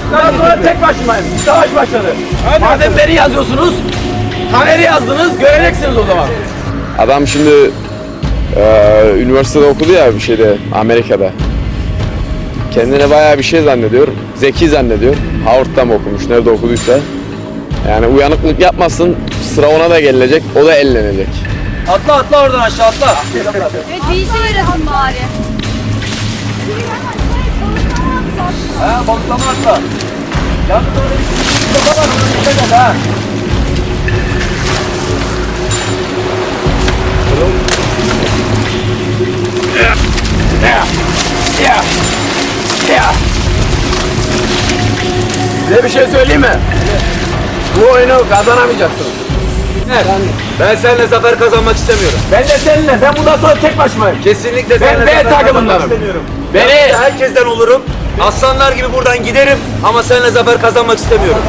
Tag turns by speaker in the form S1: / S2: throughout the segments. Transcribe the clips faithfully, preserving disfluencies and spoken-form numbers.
S1: Bundan sonra tek başımayım. Savaş başladı. Madem beni yazıyorsunuz, Taner'i yazdınız, göreceksiniz o zaman.
S2: Adam şimdi e, üniversitede okudu ya bir şeyde Amerika'da. Kendine bayağı bir şey zannediyor. Zeki zannediyor. Howard'da mı okumuş, nerede okuduysa. Yani uyanıklık yapmasın, sıra ona da gelecek, o da ellenecek.
S1: Atla atla oradan aşağı atla.
S3: Evet bir işe yarasın bari.
S1: Ha balıklama atla. Yalnız orada bir kafa var, ona dikkat et ha. Ya. Ya. Ya. Size bir şey söyleyeyim mi? Bu oyunu kazanamayacaksınız. Evet. Ben seninle zafer kazanmak istemiyorum. Ben de seninle. Ben bundan sonra tek başımayım. Kesinlikle ben B takımındanım. Beni herkesten olurum. Aslanlar gibi buradan giderim ama seninle zafer kazanmak istemiyorum.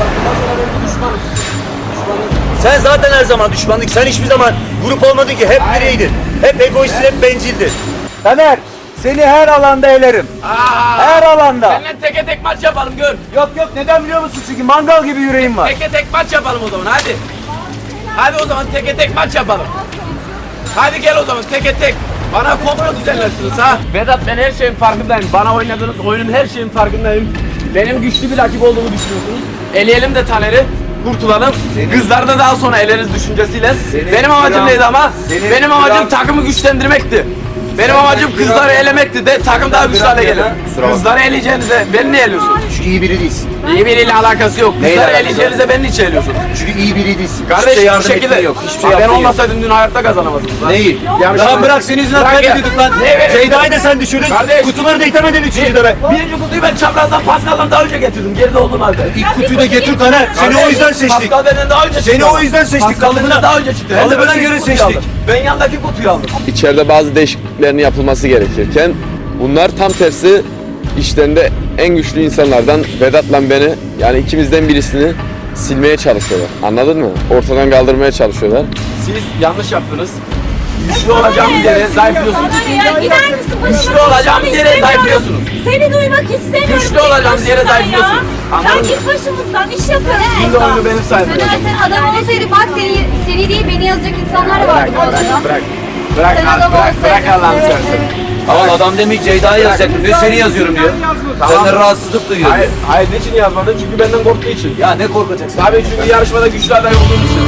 S1: Sen zaten her zaman düşmanlık. Sen hiçbir zaman grup olmadın ki. Hep bireydin. Hep egoistsin, hep bencildin. Taner, seni her alanda elerim. Aa, her alanda.
S4: Seninle teke tek maç yapalım gör.
S1: Yok yok, neden biliyor musun? Çünkü mangal gibi yüreğim var.
S4: Teke tek maç yapalım o zaman hadi. Hadi o zaman teke tek maç yapalım. Hadi gel o zaman teke tek. Bana komplo düzenlersiniz ha. Vedat ben her şeyin farkındayım. Bana oynadığınız oyunun her şeyin farkındayım. Benim güçlü bir rakip olduğumu düşünüyorsunuz. Eleyelim de Taner'i. Kurtulalım. Kızlar da daha sonra eleriz düşüncesiyle.
S1: Senin
S4: Benim amacım
S1: kral-
S4: neydi ama?
S1: senin
S4: Benim amacım
S1: kral-
S4: takımı güçlendirmekti. Benim amacım
S1: kral-
S4: kızları elemekti de takım daha güçlü
S1: kral
S4: hale
S1: ya
S4: gelir.
S1: da-
S4: Kızları eleyeceğinize beni niye eliyorsun?
S1: Çünkü iyi biri değilsin.
S4: İyi biriyle alakası yok.
S1: Neyle
S4: Kızları
S1: alakası
S4: eleyeceğinize beni niçin eliyorsun?
S1: Çünkü iyi biri değilsin.
S4: Kardeş
S1: Hiçbir şey
S4: bir
S1: yardım
S4: şekilde
S1: ettiğin yok. Hiçbir şey
S4: Bak, ben
S1: yaptığın yok.
S4: olmasaydım dün hayatta kazanamazdınız. lan.
S1: Neyi?
S4: Ya
S1: Lan bırak, senin yüzünden
S4: Bırak ya.
S1: kaybediyorduk lan.
S4: Ne verin?
S1: Ceyda'yı da sen düşürdün.
S4: Kardeş.
S1: Kutuları da itemedin üçüncüde be.
S4: Birinci kutuyu ben çaprazdan Pascal'dan daha önce getirdim. Geride olduğum halde.
S1: İlk kutuyu da getir Taner. Seni o yüzden seçtik.
S4: Pascal benden daha önce çıktı.
S1: Seni
S4: ama.
S1: o yüzden seçtik,
S4: Pascal benden
S1: kalıbına-
S4: daha önce çıktı.
S1: kalıbına
S4: Hem de ben
S1: göre
S4: ilk kutuyu
S1: seçtik.
S4: aldım. Ben yandaki kutuyu aldım.
S2: İçeride bazı değişikliklerin yapılması gerekirken bunlar tam tersi işlerinde en güçlü insanlardan Vedat'la beni, yani ikimizden birisini silmeye çalışıyorlar. Anladın mı? Ortadan kaldırmaya çalışıyorlar.
S4: Siz yanlış yaptınız. Güçlü olacağımız yere zayıflıyorsunuz.
S3: Ya gider misin?
S4: Güçlü olacağımız yere zayıflıyorsunuz.
S3: Seni duymak istemiyorum.
S4: Güçlü olacağımız yere zayıflıyorsunuz. Anladın
S3: Sen
S4: mı?
S3: git başımızdan, iş yaparız.
S4: Şimdi oyunu benim sayemde.
S3: Sen sen adam olsaydın bak seni, seni değil beni yazacak insanlar vardı bu arada.
S4: Bırak, bırak. Bırak,
S3: Sen
S4: bırak,
S3: adam
S4: bırak, bırak
S3: olsaydın.
S4: Allah'ını
S3: Evet,
S4: seversen.
S3: evet.
S1: Ama adam demek Ceyda'yı yazacaktım diyor, seni yazıyorum diyor. Senden rahatsızlık duyuyor.
S4: Hayır, hayır niçin yazmadın? Çünkü benden korktuğu için.
S1: Ya ne korkacaksın?
S4: Tabii çünkü yarışmada güçlü aday olduğum için.